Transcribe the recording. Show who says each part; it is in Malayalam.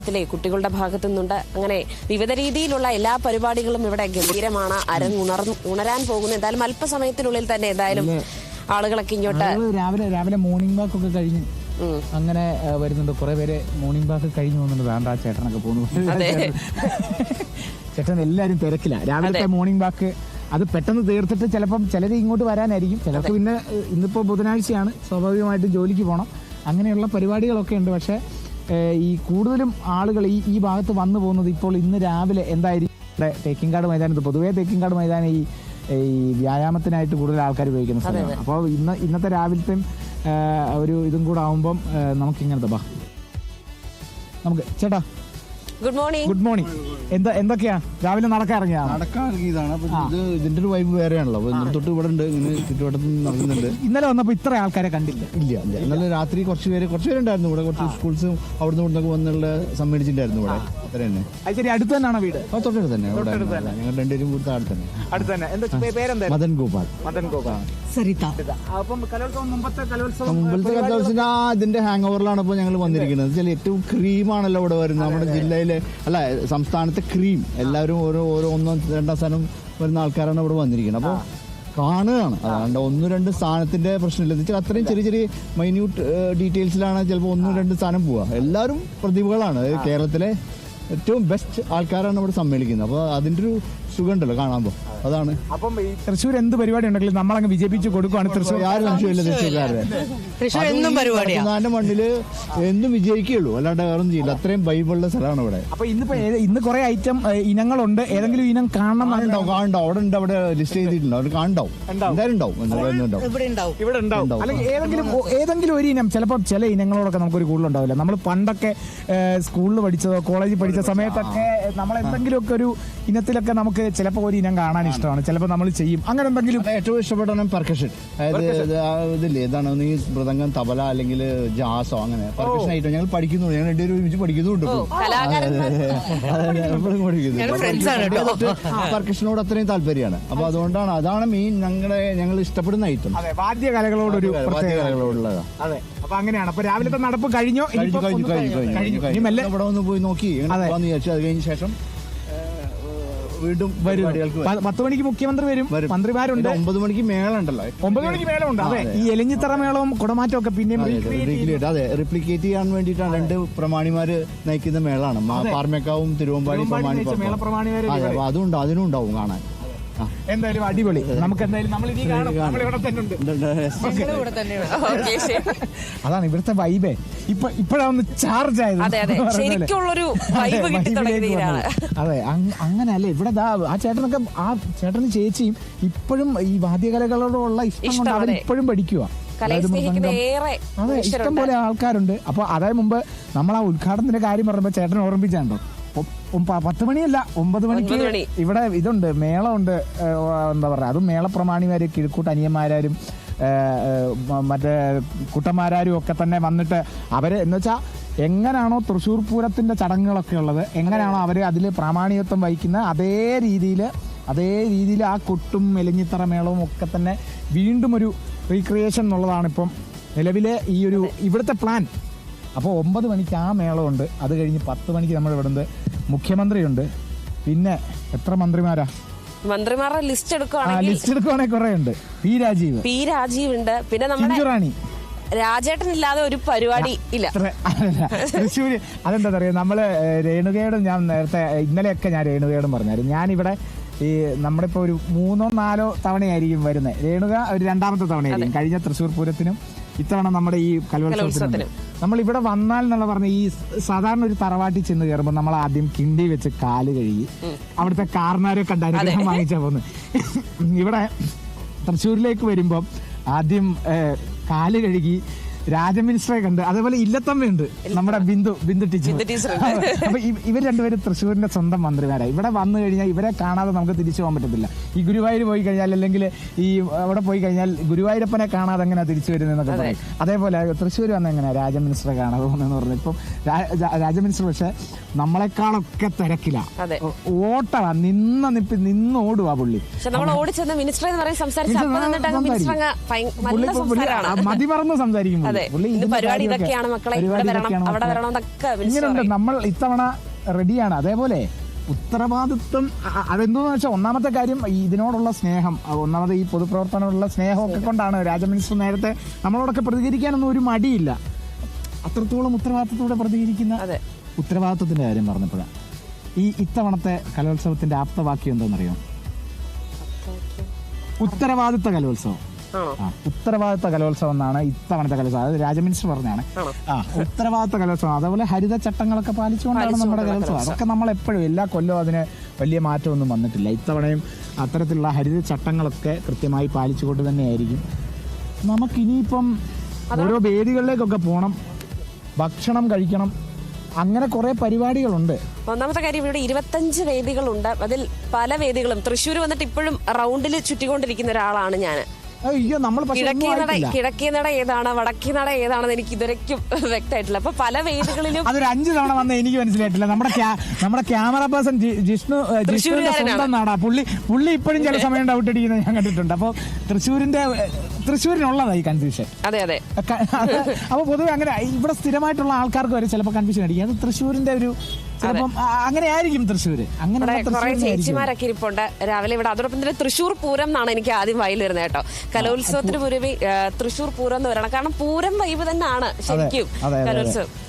Speaker 1: ത്തിലെ കുട്ടികളുടെ ഭാഗത്തു നിന്നുണ്ട്. അങ്ങനെ വിവിധ രീതിയിലുള്ള എല്ലാ പരിപാടികളും ഇവിടെ ഗംഭീരമാണ്. ഉണരാൻ പോകുന്നു. എന്തായാലും അല്പസമയത്തിനുള്ളിൽ തന്നെ എന്തായാലും ആളുകളൊക്കെ ഇങ്ങോട്ട്
Speaker 2: രാവിലെ മോർണിംഗ് വാക്ക് ഒക്കെ കഴിഞ്ഞ് അങ്ങനെ വരുന്നുണ്ട്. കുറെ പേര് മോർണിംഗ് വാക്ക് കഴിഞ്ഞു പോകുന്നുണ്ട്. വേണ്ട ചേട്ടനൊക്കെ പോകുന്നു. ചേട്ടൻ എല്ലാരും തിരക്കില്ല. രാവിലത്തെ മോർണിംഗ് വാക്ക് അത് പെട്ടെന്ന് തീർത്തിട്ട് ചിലപ്പം ചിലർ ഇങ്ങോട്ട് വരാനായിരിക്കും. ചിലർക്ക് പിന്നെ ഇന്നിപ്പോ ബുധനാഴ്ചയാണ്, സ്വാഭാവികമായിട്ട് ജോലിക്ക് പോകണം. അങ്ങനെയുള്ള പരിപാടികളൊക്കെ ഉണ്ട്. പക്ഷെ ഈ കൂടുതലും ആളുകൾ ഈ ഭാഗത്ത് വന്നു പോകുന്നത് ഇപ്പോൾ ഇന്ന് രാവിലെ എന്തായിരിക്കും തേക്കിൻകാട് മൈതാനത്ത്. പൊതുവേ തേക്കിൻകാട് മൈതാനം ഈ വ്യായാമത്തിനായിട്ട് കൂടുതൽ ആൾക്കാർ ഉപയോഗിക്കുന്ന സ്ഥലമാണ്. അപ്പോൾ ഇന്നത്തെ രാവിലത്തെ ഒരു ഇതും കൂടെ ആവുമ്പം നമുക്കിങ്ങനത്തെ നമുക്ക് ചേട്ടാ
Speaker 1: ഗുഡ് മോർണിംഗ്.
Speaker 2: Good morning. എന്തൊക്കെയാ രാവിലെ നടക്കാൻ
Speaker 3: ഇറങ്ങിയതാണ്. ഇത് ഇതിന്റെ ഒരു വൈബ് വേറെയാണല്ലോ. ഇന്നലെ തൊട്ട് ഇവിടെ ഉണ്ട്, ഇങ്ങനെ ചുറ്റുവട്ടത്ത് നടക്കുന്നുണ്ട്.
Speaker 2: ഇന്നലെ വന്നപ്പോ ഇത്ര ആൾക്കാരെ കണ്ടില്ല.
Speaker 3: ഇല്ല ഇന്നലെ രാത്രി കുറച്ച് പേരുണ്ടായിരുന്നു ഇവിടെ. കുറച്ച് സ്കൂൾസും അവിടുന്ന് ഇവിടുന്നൊക്കെ വന്നുള്ള സമ്മേളിച്ചിട്ടുണ്ടായിരുന്നു ഇവിടെ. അത്ര തന്നെ.
Speaker 2: ശരി, അടുത്ത് തന്നെയാണ് വീട്?
Speaker 3: തൊട്ടടുത്ത് തന്നെ. ഞങ്ങൾ രണ്ടുപേരും കൂടി അടുത്ത്
Speaker 2: തന്നെ.
Speaker 3: മദൻ ഗോപാൽ.
Speaker 2: സരിത. അപ്പം മുമ്പത്തെ
Speaker 3: കലോത്സവത്തിന്റെ ഇതിന്റെ ഹാങ് ഓവറിലാണ് ഇപ്പോൾ ഞങ്ങൾ വന്നിരിക്കുന്നത്. ഏറ്റവും ക്രീമാണല്ലോ ഇവിടെ വരുന്നത്. നമ്മുടെ ജില്ലയിലെ സംസ്ഥാനത്തെ ക്രീം. എല്ലാവരും ഓരോ ഒന്നോ രണ്ടാം സ്ഥാനം വരുന്ന ആൾക്കാരാണ് ഇവിടെ വന്നിരിക്കുന്നത്. അപ്പോൾ കാണുകയാണ്. അതുകൊണ്ട് 1-2 സ്ഥാനത്തിന്റെ പ്രശ്നമില്ല. എന്ന് വെച്ചാൽ അത്രയും ചെറിയ മൈന്യൂട്ട് ഡീറ്റെയിൽസിലാണ് ചിലപ്പോൾ 1-2 സ്ഥാനം പോവുക. എല്ലാവരും പ്രതിഭകളാണ്. കേരളത്തിലെ ഏറ്റവും ബെസ്റ്റ് ആൾക്കാരാണ് ഇവിടെ സമ്മേളിക്കുന്നത്. അപ്പോൾ അതിന്റെ ഒരു സുഖം ഉണ്ടല്ലോ കാണുമ്പോൾ. അതാണ്.
Speaker 2: അപ്പം ഈ തൃശ്ശൂർ എന്ത് പരിപാടി ഉണ്ടെങ്കിലും നമ്മളങ്ങ് വിജയിപ്പിച്ച് കൊടുക്കുകയാണ്. തൃശ്ശൂർ
Speaker 3: ആരും സംശയമില്ല. തൃശ്ശൂർക്കാരുടെ മണ്ണില് എന്തും വിജയിക്കുകയുള്ളൂ, അല്ലാണ്ട് വേറെ ഒന്നും ചെയ്യില്ല. അത്രയും ബൈബിളുള്ള സ്ഥലമാണ് ഇവിടെ.
Speaker 2: അപ്പൊ ഇന്ന് കുറെ ഐറ്റം ഇനങ്ങളുണ്ട്. ഏതെങ്കിലും ഇനം കാണണം?
Speaker 3: കാണണ്ടാവും. അവിടെ ഉണ്ട്, അവിടെ ലിസ്റ്റ് ചെയ്തിട്ടുണ്ട്. അവർ കാണണ്ടാവും. എന്തായാലും ഉണ്ടാവും.
Speaker 2: അല്ലെങ്കിൽ ഏതെങ്കിലും ഒരു ഇനം. ചിലപ്പോൾ ചില ഇനങ്ങളോടൊക്കെ നമുക്കൊരു കൂടുതലുണ്ടാവില്ല. നമ്മൾ പണ്ടൊക്കെ സ്കൂളിൽ പഠിച്ചതോ കോളേജിൽ പഠിച്ച സമയത്തൊക്കെ നമ്മൾ എന്തെങ്കിലുമൊക്കെ ഒരു ഇനത്തിലൊക്കെ നമുക്ക് ചിലപ്പോൾ ഒരു ഇനം കാണാൻ ഇഷ്ടമാണ്. ചിലപ്പോൾ നമ്മൾ ചെയ്യും. അങ്ങനെ എന്തെങ്കിലും
Speaker 3: ഏറ്റവും ഇഷ്ടപ്പെട്ട പെർക്കഷൻ. അതായത് ഇതില്ലേ, ഏതാണ് നീ മൃദംഗം, തബല അല്ലെങ്കിൽ ജാസോ, അങ്ങനെ പെർക്കഷൻ ആയിട്ട് ഞങ്ങൾ പഠിക്കുന്നുണ്ട്. ഞങ്ങൾ രണ്ടുപേരും ഒരുമിച്ച് പഠിക്കുന്നുണ്ട്. പെർക്കഷനോട് അത്രയും താല്പര്യമാണ്. അപ്പൊ അതുകൊണ്ടാണ്, അതാണ് മെയിൻ ഞങ്ങൾ ഇഷ്ടപ്പെടുന്ന ഐറ്റം.
Speaker 2: വാദ്യകലകളോടൊരു
Speaker 3: വാദ്യകലകളോടുള്ളതാണ്.
Speaker 2: അതെ. അപ്പൊ അങ്ങനെയാണ്. അപ്പൊ രാവിലത്തെ നടപ്പ് കഴിഞ്ഞു.
Speaker 3: ഇവിടെ ഒന്ന് പോയി നോക്കി വിചാരിച്ചു. അത് കഴിഞ്ഞ ശേഷം വീണ്ടും
Speaker 2: 10 മണിക്ക് മുഖ്യമന്ത്രി വരും. മന്ത്രിമാരുണ്ട്.
Speaker 3: 9 മണിക്ക് മേളം ഉണ്ടല്ലോ.
Speaker 2: 9 മണിക്ക് മേളമുണ്ട്. അതെ. ഈ എലിഞ്ഞിത്തറ മേളവും കുടമാറ്റവും ഒക്കെ പിന്നെയും
Speaker 3: റിപ്ലിക്കേറ്റ് ചെയ്യാൻ വേണ്ടിയിട്ടാണ് 2 പ്രമാണിമാര് നയിക്കുന്ന മേളാണ്. പാർമേക്കാവും തിരുവമ്പാടി പ്രമാണി. അതുണ്ട്, അതിനും ഉണ്ടാവും കാണാൻ.
Speaker 2: എന്തായാലും അടിപൊളി. നമുക്ക് എന്തായാലും അതാണ് ഇവിടുത്തെ വൈബേ. ഇപ്പോഴാണ് ചാർജ് ആയത്. അതെ, അങ്ങനെയല്ലേ ഇവിടെ. ആ ചേട്ടനും ചേച്ചിയും ഇപ്പോഴും ഈ വാദ്യകലകളോടുള്ള ഇഷ്ടം കൊണ്ട് അവർ ഇപ്പോഴും പഠിക്കുക. അതെ, ഇഷ്ടം പോലെ ആൾക്കാരുണ്ട്. അപ്പൊ അതായത് മുമ്പ് നമ്മൾ ആ ഉദ്ഘാടനത്തിന്റെ കാര്യം പറഞ്ഞപ്പോ ചേട്ടൻ ഓർമ്മിച്ചാണ്ടോ, 10 മണിയല്ല 9 മണിക്ക് ഇവിടെ ഇതുണ്ട്, മേളമുണ്ട്. എന്താ പറയാ, അതും മേളപ്രമാണിമാര്, കിഴക്കൂട്ട് അനിയന്മാരും മറ്റേ കുട്ടന്മാരും ഒക്കെ തന്നെ വന്നിട്ട് അവര് എന്ന് വെച്ചാൽ എങ്ങനെയാണോ തൃശ്ശൂർ പൂരത്തിന്റെ ചടങ്ങുകളൊക്കെ ഉള്ളത്, എങ്ങനെയാണോ അവര് അതിൽ പ്രാമാണികത്വം വഹിക്കുന്ന അതേ രീതിയിൽ ആ കൊട്ടും എലിഞ്ഞിത്തറ മേളവും ഒക്കെ തന്നെ വീണ്ടും ഒരു റീക്രിയേഷൻ എന്നുള്ളതാണ് ഇപ്പം നിലവിലെ ഈ ഒരു ഇവിടുത്തെ പ്ലാൻ. അപ്പോൾ 9 മണിക്ക് ആ മേളമുണ്ട്. അത് കഴിഞ്ഞ് 10 മണിക്ക് നമ്മൾ ഇവിടുന്ന് മുഖ്യമന്ത്രിയുണ്ട്. പിന്നെ എത്ര മന്ത്രിമാരുടെ ലിസ്റ്റ് എടുക്കുവാണെങ്കിൽ കുറെ ഉണ്ട്. പി രാജീവ് ഉണ്ട്. പിന്നെ നമ്മുടെ രാജേട്ടനില്ലാതെ ഒരു പരിപാടി ഇല്ല തൃശ്ശൂര്. അതെന്താ പറയുക, നമ്മള് രേണുകയോടും ഞാൻ നേരത്തെ ഇന്നലെയൊക്കെ ഞാൻ രേണുകയോടും പറഞ്ഞായിരുന്നു, ഞാനിവിടെ ഈ നമ്മുടെ ഇപ്പോൾ ഒരു 3-4 തവണയായിരിക്കും വരുന്നത്. രേണുക ഒരു 2ാമത്തെ തവണയായിരിക്കും. കഴിഞ്ഞ തൃശ്ശൂർ പൂരത്തിനും ഇത്തവണ നമ്മുടെ ഈ കലോത്സവത്തിനും നമ്മൾ ഇവിടെ വന്നാൽ എന്നുള്ള പറഞ്ഞ ഈ സാധാരണ ഒരു തറവാട്ടിൽ ചെന്ന് കയറുമ്പോൾ നമ്മൾ ആദ്യം കിണ്ടി വെച്ച് കാല് കഴുകി അവിടുത്തെ കാർന്നാരെ കണ്ട് അനുഗ്രഹം വാങ്ങിച്ചാ പോകുന്നത്. ഇവിടെ തൃശ്ശൂരിലേക്ക് വരുമ്പം ആദ്യം കാല് കഴുകി രാജമിനിസ്റ്ററെ കണ്ട്, അതേപോലെ ഇല്ലത്തമ്മയുണ്ട്, നമ്മുടെ ബിന്ദു ടീച്ചർ. അപ്പൊ ഇവർ രണ്ടുപേരും തൃശ്ശൂരിന്റെ സ്വന്തം മന്ത്രിമാരായി. ഇവിടെ വന്നു കഴിഞ്ഞാൽ ഇവരെ കാണാതെ നമുക്ക് തിരിച്ചു പോകാൻ പറ്റത്തില്ല. ഈ ഗുരുവായൂർ പോയി കഴിഞ്ഞാൽ, അല്ലെങ്കിൽ ഈ അവിടെ പോയി കഴിഞ്ഞാൽ ഗുരുവായൂരപ്പനെ കാണാതെ എങ്ങനെയാ തിരിച്ചു വരുന്നതെന്നൊക്കെ പറയും. അതേപോലെ തൃശ്ശൂർ വന്ന എങ്ങനെയാ രാജമിനിസ്റ്ററെ കാണാതെ പോകുന്നതെന്ന് പറഞ്ഞു. ഇപ്പം രാജമിനിസ്റ്റർ പക്ഷെ നമ്മളെക്കാളൊക്കെ തിരക്കില.
Speaker 1: അതെ.
Speaker 2: ഓട്ടവാ, നിന്ന് ഓടുവാ പുള്ളി.
Speaker 1: പക്ഷെ നമ്മൾ ഓടിച്ചെന്ന് മിനിസ്റ്റർ എന്ന് പറയും
Speaker 2: മതിമറന്ന് സംസാരിക്കും പുള്ളി.
Speaker 1: പരിപാടി ഇതൊക്കെയാണ് മക്കളെ, അവിടെ വരണം എന്നൊക്കെ.
Speaker 2: ഇങ്ങനെയുണ്ട്. നമ്മൾ ഇത്തവണ റെഡിയാണ്. അതേപോലെ ഉത്തരവാദിത്വം അതെന്തോന്ന് വെച്ചാൽ ഒന്നാമത്തെ കാര്യം ഇതിനോടുള്ള സ്നേഹം, ഒന്നാമത് ഈ പൊതുപ്രവർത്തനമുള്ള സ്നേഹമൊക്കെ കൊണ്ടാണ് രാജ മിനിസ്റ്റർ നേരത്തെ നമ്മളോടൊക്കെ പ്രതികരിക്കാനൊന്നും ഒരു മടിയില്ല. അത്രത്തോളം ഉത്തരവാദിത്തത്തോടെ പ്രതികരിക്കുന്ന. ഉത്തരവാദിത്വത്തിന്റെ കാര്യം പറഞ്ഞപ്പോഴാണ് ഈ ഇത്തവണത്തെ കലോത്സവത്തിന്റെ ആപ്തവാക്യം എന്താണെന്നറിയോ? ഉത്തരവാദിത്ത കലോത്സവം. ഉത്തരവാദിത്ത കലോത്സവം എന്നാണ് ഇത്തവണത്തെ കലോത്സവം. അതായത് രാജ മിനിസ്റ്റർ പറഞ്ഞാണ്. ഉത്തരവാദിത്ത കലോത്സവം. അതേപോലെ ഹരിത ചട്ടങ്ങളൊക്കെ പാലിച്ചുകൊണ്ടാണ് നമ്മുടെ കലോത്സവം. അതൊക്കെ നമ്മൾ എപ്പോഴും എല്ലാ കൊല്ലവും അതിന് വലിയ മാറ്റമൊന്നും വന്നിട്ടില്ല. ഇത്തവണയും അത്തരത്തിലുള്ള ഹരിത ചട്ടങ്ങളൊക്കെ കൃത്യമായി പാലിച്ചുകൊണ്ട് തന്നെയായിരിക്കും. നമുക്കിനിയിപ്പം ഓരോ വേദികളിലേക്കൊക്കെ പോകണം, ഭക്ഷണം കഴിക്കണം, അങ്ങനെ കുറെ പരിപാടികളുണ്ട്.
Speaker 1: ഒന്നാമത്തെ കാര്യം ഇവിടെ 25 വേദികളുണ്ട്. അതിൽ പല വേദികളും തൃശ്ശൂർ വന്നിട്ട് ഇപ്പോഴും റൗണ്ടിൽ ചുറ്റിക്കൊണ്ടിരിക്കുന്ന ഒരാളാണ് ഞാൻ.
Speaker 2: അയ്യോ, നമ്മൾ
Speaker 1: കിഴക്കേ നട ഏതാണ് വടക്കേ നട ഏതാണെന്ന് എനിക്ക് ഇതുവരെയ്ക്കും വ്യക്തമായിട്ടില്ല. അപ്പൊ പല വേദികളിലും
Speaker 2: അതൊരു 5 തവണ വന്ന എനിക്ക് മനസ്സിലായിട്ടില്ല. നമ്മുടെ ക്യാമറ പേഴ്സൺ ജിഷ്ണുവിന്റെ സ്വന്തം നാടാ പുള്ളി ഇപ്പോഴും ചില സമയം ഡൗട്ട് അടിക്കുന്നത് ഞാൻ കണ്ടിട്ടുണ്ട്. അപ്പൊ തൃശ്ശൂരിനുള്ളതാ ഈ കൺഫ്യൂഷൻ.
Speaker 1: അതെ.
Speaker 2: അപ്പൊ പൊതുവെ അങ്ങനെ ഇവിടെ സ്ഥിരമായിട്ടുള്ള ആൾക്കാർക്ക് വരെ ചിലപ്പോൾ കൺഫ്യൂഷൻ അടിക്കും. അത് തൃശ്ശൂരിന്റെ ഒരു ചിലപ്പം അങ്ങനെ ആയിരിക്കും. തൃശ്ശൂര് അങ്ങനെ കുറെ
Speaker 1: ചേച്ചിമാരൊക്കെ ഇരിപ്പുണ്ട് രാവിലെ ഇവിടെ. അതോടൊപ്പം തന്നെ തൃശ്ശൂർ പൂരം എന്നാണ് എനിക്ക് ആദ്യം വായിൽ വരുന്നത് കേട്ടോ. കലോത്സവത്തിന് പുറമെ തൃശ്ശൂർ പൂരം എന്ന് പറയണം. കാരണം പൂരം വൈബ് തന്നെയാണ് ശരിക്കും കലോത്സവം.